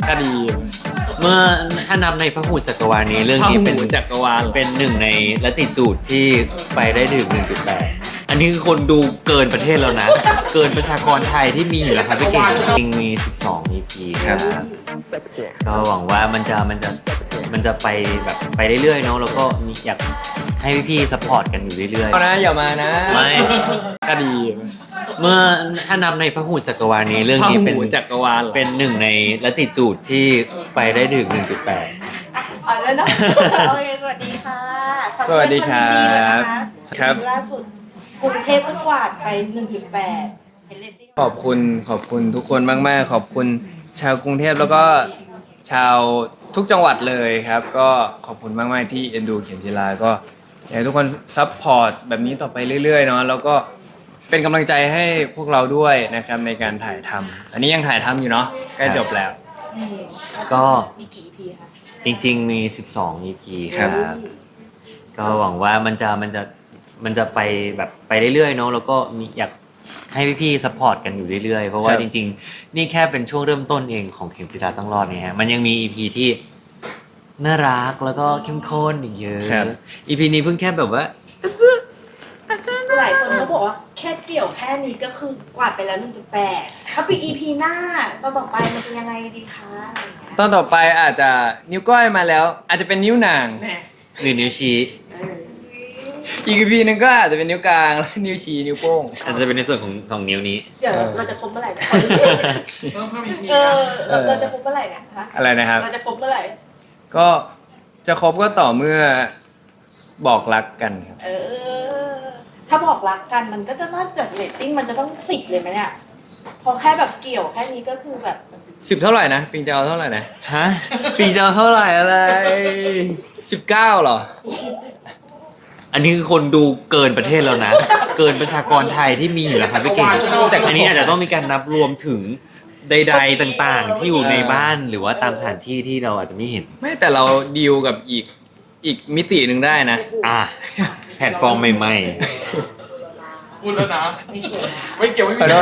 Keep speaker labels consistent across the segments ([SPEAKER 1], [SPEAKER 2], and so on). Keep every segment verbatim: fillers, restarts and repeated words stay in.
[SPEAKER 1] ก็ดี
[SPEAKER 2] เมื่อถ้านับในพหุจักรวาลนี้เรื่องนี้เป็น
[SPEAKER 1] จักรวาล
[SPEAKER 2] เป็นหนึ่งในลัติจูดที่ไปได้ถึง หนึ่งจุดแปด อันนี้คือคนดูเกินประเทศแล้วนะ เกินประชากรไทยที่มีอยู่แล้วครับพี่เก่งจริงมี สิบสอง อี พี ครับก็หวังว่ามันจะมันจะมันจะไปแบบไปเรื่อยๆเนาะแล้วก็มีอยากให้พี่ๆซัพพอร์ตกันอยู่เรื่อยๆ
[SPEAKER 1] เอานะอย่ามานะ
[SPEAKER 2] ไม่
[SPEAKER 1] ก็ดี
[SPEAKER 2] เมื่อถ้านับในพหุจักรวาลนี้เรื่องนี้เป็น
[SPEAKER 1] จักรวาล
[SPEAKER 2] เป็นหนึ่งในลัติจูดที่ไปได้ถึง หนึ่งจุดแปด
[SPEAKER 3] อ๋อแล้วนะโอเคสวัสดีค่ะ
[SPEAKER 1] สวัสดีครับครับ
[SPEAKER 3] ล่าสุดกรุงเทพก็กวาดไป หนึ่งจุดแปด เห็นเรตติ้ง
[SPEAKER 1] ขอบคุณขอบคุณทุกคนมากๆขอบคุณชาวกรุงเทพแล้วก็ชาวทุกจังหวัดเลยครับก็ขอบคุณมากๆที่เอ็นดูเข็มจีราก็อยากให้ทุกคนซัพพอร์ตแบบนี้ต่อไปเรื่อยๆเนาะแล้วก็เป็นกำลังใจให้พวกเราด้วยนะครับในการถ่ายทำอันนี้ยังถ่ายทำอยู่เนาะใกล้จบแล้ว
[SPEAKER 2] ก็
[SPEAKER 3] มีกี่ อี พี คะ
[SPEAKER 2] จริงๆมี สิบสอง อี พี ครับก็หวังว่ามันจะมันจะมันจะไปแบบไปเรื่อยๆเนาะแล้วก็มีอยากให้พี่ๆซัพพอร์ตกันอยู่เรื่อยๆเพราะว่าจริงๆนี่แค่เป็นช่วงเริ่มต้นเองของเข็มจีราต้องรอดเนี่ยฮะมันยังมี อี พี ที่น่ารักแล้วก็เข้มข้นอีกเยอะ อี พี นี้เพิ่งแค่แบบว่า
[SPEAKER 3] หลายคนเขาบอกว่าแค่เกี่ยวแค่นี้ก็คือกวาดไปแล้ว หนึ่งจุดแปด ถ้าปี อี พี หน้าตอนต่อไปมันจะยังไงดีคะ
[SPEAKER 1] ตอนต่อไปอาจจะนิ้วก้อยมาแล้วอาจจะเป็นนิ้วนาง
[SPEAKER 2] หรือนิ้วชี้
[SPEAKER 1] อีก อี พี นึงก็อาจจะเป็นนิ้วกลางแล้วนิ้วชี้นิ้วโป้ง
[SPEAKER 2] อาจจะเป็นในส่วนของของนิ้วนี้
[SPEAKER 3] เดี๋ยวเราจะครบเมื่อไหร่นะเออเราจะครบเมื่อไหร่นะคะ
[SPEAKER 1] อะไรนะครับ
[SPEAKER 3] เราจะครบเมื่อไหร่
[SPEAKER 1] ก็จะครบก็ต่อเมื่อบอกรักกันครับ
[SPEAKER 3] เออถ้าบอกรักกันมันก็จะน่าจะเรตติ้งมันจะต้องสิบเลยไหมเนี่ยพอแค่แบบเกี่ยวแค่นี้ก็คือแบบ
[SPEAKER 1] สิบเท่าไหร่นะปิงจะเอาเท่าไหร่นะ
[SPEAKER 2] ฮะปิงจะเอาเท่าไหร่อะไร
[SPEAKER 1] สิบเก้าเหรอ
[SPEAKER 2] อันนี้คือคนดูเกินประเทศแล้วนะเกินประชากรไทยที่มีอยู่แล้วครับพี่เก่งแต่อันนี้อาจจะต้องมีการนับรวมถึงใดๆต่างๆที่อยู่ในบ้านหรือว่าตามสถานที่ที่เราอาจจะไม่เห็น
[SPEAKER 1] ไม่แต่เราดีลกับอีกอีกมิติหนึ่งได้นะ
[SPEAKER 2] อ่ะแพลตฟอร์มใหม่
[SPEAKER 4] ๆพูดแล้วนะไม่เกี่ยวไม่มี
[SPEAKER 3] ไม่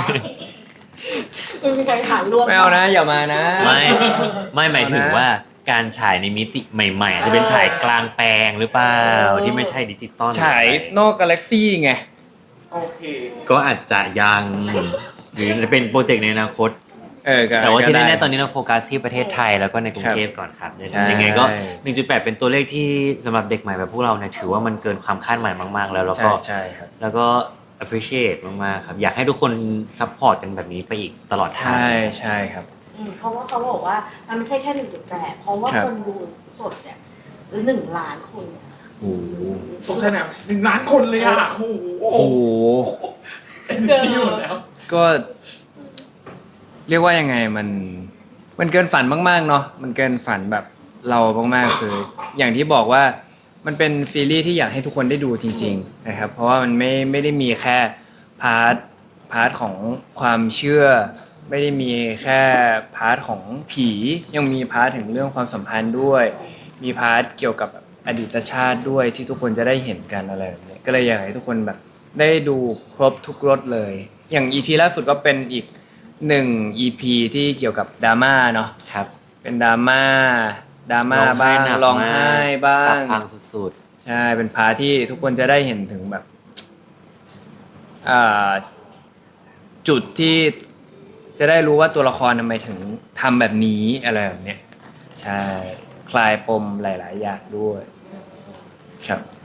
[SPEAKER 3] มีใครถามรวม
[SPEAKER 1] ไม่เอานะอย่ามานะ
[SPEAKER 2] ไม่ไม่หมายถึงว่าการฉายในมิติใหม่ๆอาจจะเป็นฉายกลางแปลงหรือเปล่าที่ไม่ใช่ดิจิตอล
[SPEAKER 1] ฉายนอกกาแล็กซี่ไง
[SPEAKER 4] โอเค
[SPEAKER 2] ก็อาจจะยังหรือจะเป็นโปรเจกต์ในอนาคต
[SPEAKER 1] เออ
[SPEAKER 2] แต่ว่าที่แน่ๆตอนนี้เราโฟกัสที่ประเทศไทยแล้วก็ในกรุงเทพก่อนครับยังไงก็ หนึ่งจุดแปด เป็นตัวเลขที่สำหรับเด็กใหม่แบบพวกเราเนี่ยถือว่ามันเกินความคาดหมายมากๆแล้วแล้วก็
[SPEAKER 1] ใช่ครับ
[SPEAKER 2] แล้วก็ appreciate มากๆครับอยากให้ทุกคนซัพพอร์ตกันแบบนี้ไปอีกตลอดทาง
[SPEAKER 1] ใช่ใช่ครับ
[SPEAKER 3] เพราะว่าเขาบอกว่ามันไม่ใช่แค่ หนึ่งจุดแปด เพราะว่าคนดูสดเนี่ยหนึ่งล้านคน
[SPEAKER 2] โอ้โห
[SPEAKER 4] สดใช่ไหมหนึ่งล้านคนเลยอ่ะโอ้โหเป็นจริงหมดแล้ว
[SPEAKER 1] ก็เรียกว่ายังไงมันมันเกินฝันมากๆเนาะมันเกินฝันแบบเรามากๆคืออย่างที่บอกว่ามันเป็นซีรีส์ที่อยากให้ทุกคนได้ดูจริงๆนะครับเพราะว่ามันไม่ไม่ได้มีแค่พาร์ทพาร์ทของความเชื่อไม่ได้มีแค่พาร์ทของผียังมีพาร์ทถึงเรื่องความสัมพันธ์ด้วยมีพาร์ทเกี่ยวกับอดีตชาติด้วยที่ทุกคนจะได้เห็นกันอะไรแบบนี้ก็เลยอยากให้ทุกคนแบบได้ดูครบทุกรสเลยอย่าง อี พี ล่าสุดก็เป็นอีกหนึ่ง อี พี ที่เกี่ยวกับดราม่าเนาะ
[SPEAKER 2] ครับ
[SPEAKER 1] เป็นดราม่าดราม่าบ้างร้องไห้บ้าง
[SPEAKER 2] พังสุด
[SPEAKER 1] ๆใช่เป็นพาร์ทที่ทุกคนจะได้เห็นถึงแบบอ่าจุดที่จะได้รู้ว่าตัวละครทำไมถึงทำแบบนี้อะไรแบบเนี้ยใช่คลายปมหลายๆอย่างด้วยครับ